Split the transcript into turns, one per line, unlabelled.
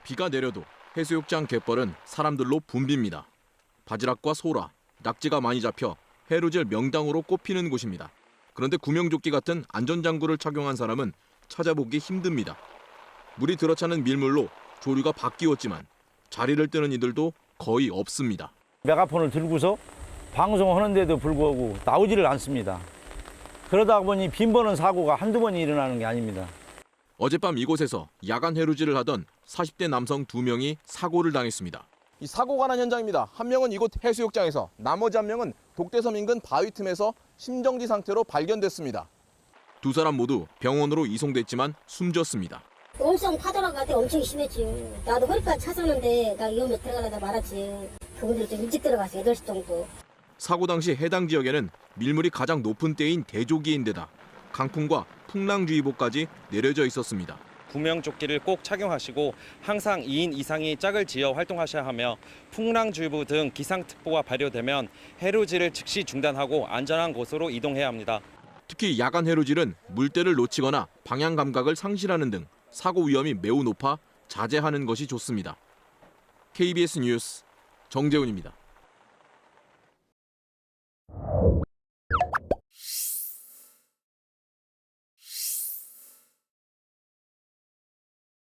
비가 내려도 해수욕장 갯벌은 사람들로 붐빕니다. 바지락과 소라, 낙지가 많이 잡혀 해루질 명당으로 꼽히는 곳입니다. 그런데 구명조끼 같은 안전장구를 착용한 사람은 찾아보기 힘듭니다. 물이 들어차는 밀물로 조류가 바뀌었지만 자리를 뜨는 이들도 거의 없습니다.
메가폰을 들고서 방송하는데도 불구하고 나오지를 않습니다. 그러다 보니 빈번한 사고가 한두 번이 일어나는 게 아닙니다.
어젯밤 이곳에서 야간 해루질을 하던 40대 남성 2명이 사고를 당했습니다. 이 사고가 난 현장입니다. 한 명은 이곳 해수욕장에서, 나머지 한 명은 독대섬 인근 바위 틈에서 심정지 상태로 발견됐습니다. 두 사람 모두 병원으로 이송됐지만 숨졌습니다.
엄청 파도가 같아 엄청 심했지. 나도 허리까지 찼었는데 나 위험에 들어가려다 말았지. 그분들이 좀 일찍 들어갔어, 8시 정도. 사고
당시 해당 지역에는 밀물이 가장 높은 때인 대조기인데다 강풍과 풍랑주의보까지 내려져 있었습니다.
구명조끼를 꼭 착용하시고 항상 2인 이상이 짝을 지어 활동하셔야 하며 풍랑주의보 등 기상특보가 발효되면 해루질을 즉시 중단하고 안전한 곳으로 이동해야 합니다.
특히 야간 해루질은 물때를 놓치거나 방향 감각을 상실하는 등 사고 위험이 매우 높아 자제하는 것이 좋습니다. KBS 뉴스 정재훈입니다.